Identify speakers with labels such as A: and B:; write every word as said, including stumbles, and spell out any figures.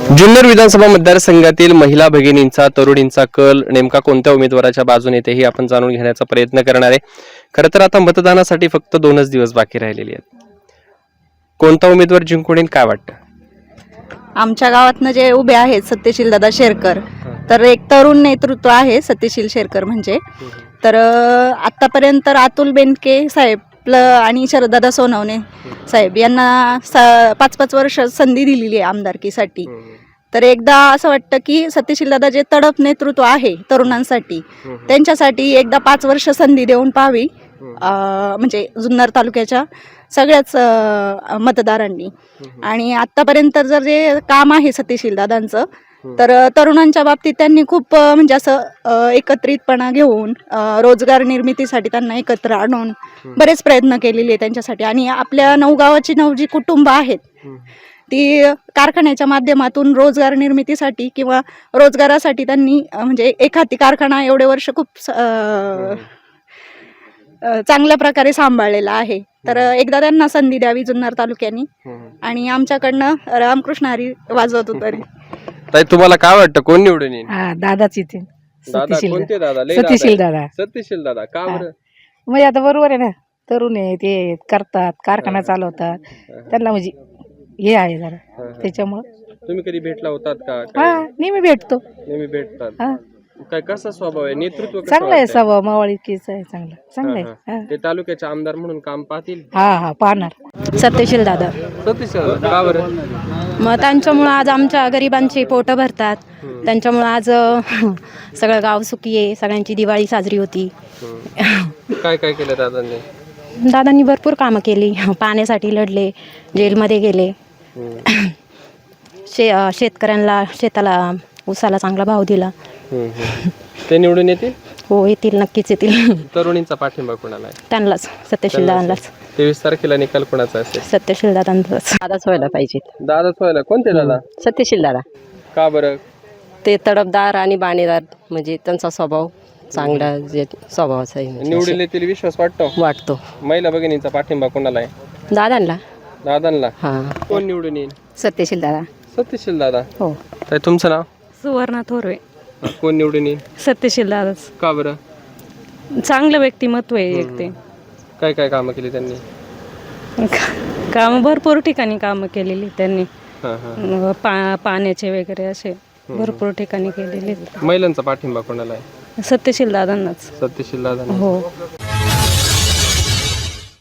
A: जुन्नर विधानसभा मतदारसंघातील महिला भगिनींचा तरुणींचा कल नेमका कोणत्या उमेदवाराच्या बाजूने येते हे आपण जाणून घेण्याचा प्रयत्न करणार आहे। खरं तर आता मतदानासाठी फक्त दोनच दिवस बाकी राहिलेले आहेत। कोणता उमेदवार जिंकून येईल काय वाटतं?
B: आमच्या गावातनं जे उभे आहेत सत्यशील दादा शेरकर, तर एक तरुण नेतृत्व आहे सत्यशील शेरकर म्हणजे। तर आतापर्यंत तर अतुल बेनके साहेब आणि शरददादा सोनवणे साहेब यांना पाच पाच वर्ष संधी दिलेली आहे आमदारकीसाठी। तर एकदा असं वाटतं की सत्यशील दादा जे तडफ नेतृत्व आहे तरुणांसाठी त्यांच्यासाठी एकदा पाच वर्ष संधी देऊन पाहावी, म्हणजे जुन्नर तालुक्याच्या सगळ्याच मतदारांनी। आणि आतापर्यंत जर जे काम आहे सत्यशील दादांचं, तर तरुणांच्या बाबतीत त्यांनी खूप म्हणजे असं एकत्रितपणा घेऊन रोजगार निर्मितीसाठी त्यांना एकत्र आणून बरेच प्रयत्न केलेले त्यांच्यासाठी। आणि आपल्या नऊ गावाची नऊ जी कुटुंब आहेत ती कारखान्याच्या माध्यमातून रोजगार निर्मितीसाठी किंवा रोजगारासाठी त्यांनी म्हणजे एखादी कारखाना एवढे वर्ष खूप चांगल्या प्रकारे सांभाळलेला आहे। तर एकदा त्यांना संधी द्यावी जुन्नर तालुक्यानी, आणि आमच्याकडनं रामकृष्ण हरी वाजवत उतरे।
A: ताई तुम्हाला काय वाटतं कोण निवडून येईल?
C: हा दादाच येते।
A: दादा कोणते दादा? लय
C: सत्यशील दादा।
A: सत्यशील दादा का बरं?
C: म्हणजे आता बरोबर आहे ना, तरुण आहे ते, करतात कारखाना चालवतात, त्यांना म्हणजे हे आहे जरा त्याच्यामुळे।
A: तुम्ही कधी भेटला होतात का?
C: हा नेहमी भेटतो।
A: नेहमी भेटतात।
C: हा
A: काय कसा स्वभाव आहे? नेतृत्व कसं
C: चांगला आहे,
A: वाटतंय?
C: स्वभाव मावळीकीच आहे, चांगला चांगला आहे। हा.
A: ते तालुक्याचे आमदार म्हणून काम पाहतील?
C: हा हा पाहणार।
D: सत्यशील दादा।
A: सत्यशील दादा का बरं?
D: मग त्यांच्यामुळं आज आमच्या गरिबांची पोटं भरतात, त्यांच्यामुळं आज अ, सगळं गाव सुखी आहे, सगळ्यांची दिवाळी साजरी होती।
A: काय काय केलं दादांनी?
D: दादांनी भरपूर कामं केली, पाण्यासाठी लढले, जेलमध्ये गेले, शे अ, शेतकऱ्यांना शेताला ऊसाला चांगला भाव दिला।
A: ते निवडून येतील?
D: हो येतील, नक्कीच येतील।
A: तरुणींचा पाठिंबा कोणाला आहे?
D: त्यांनाच, सत्यशील दादांनाच।
A: तेवीस तारखेला निकाल कोणाचा असेल?
D: सत्यशील दादांचाच।
E: दादाच व्हायला पाहिजे।
A: दादाच व्हायला? कोणते दादा?
E: सत्यशील दादा।
A: का बरं?
E: ते तडफदार आणि बाणेदार, म्हणजे त्यांचा स्वभाव चांगला, जे स्वभावाचा आहे म्हणजे
A: निवडून येतील विश्वास वाटतो?
E: वाटतो।
A: महिला भगिनींचा पाठिंबा कोणाला आहे?
E: दादांना।
A: दादांना?
E: हा
A: कोण निवडून येईल?
E: सत्यशील दादा।
A: सत्यशील दादा।
E: हो।
A: ताई तुमचं नाव?
F: सुवर्णा थोरवे।
A: कोण निवडून येईल?
F: सत्यशील दादाच।
A: का बरं?
F: चांगलं व्यक्तिमत्व आहे एक ते।
A: काय काय कामं केली त्यांनी?
F: कामं भरपूर ठिकाणी कामं केलेली त्यांनी,
A: हा हा
F: पा पाण्याचे वगैरे असे भरपूर ठिकाणी केलेले।
A: महिलांचा पाठिंबा कोणाला आहे?
F: सत्यशील दादांनाच।
A: सत्यशील दादा।
F: हो।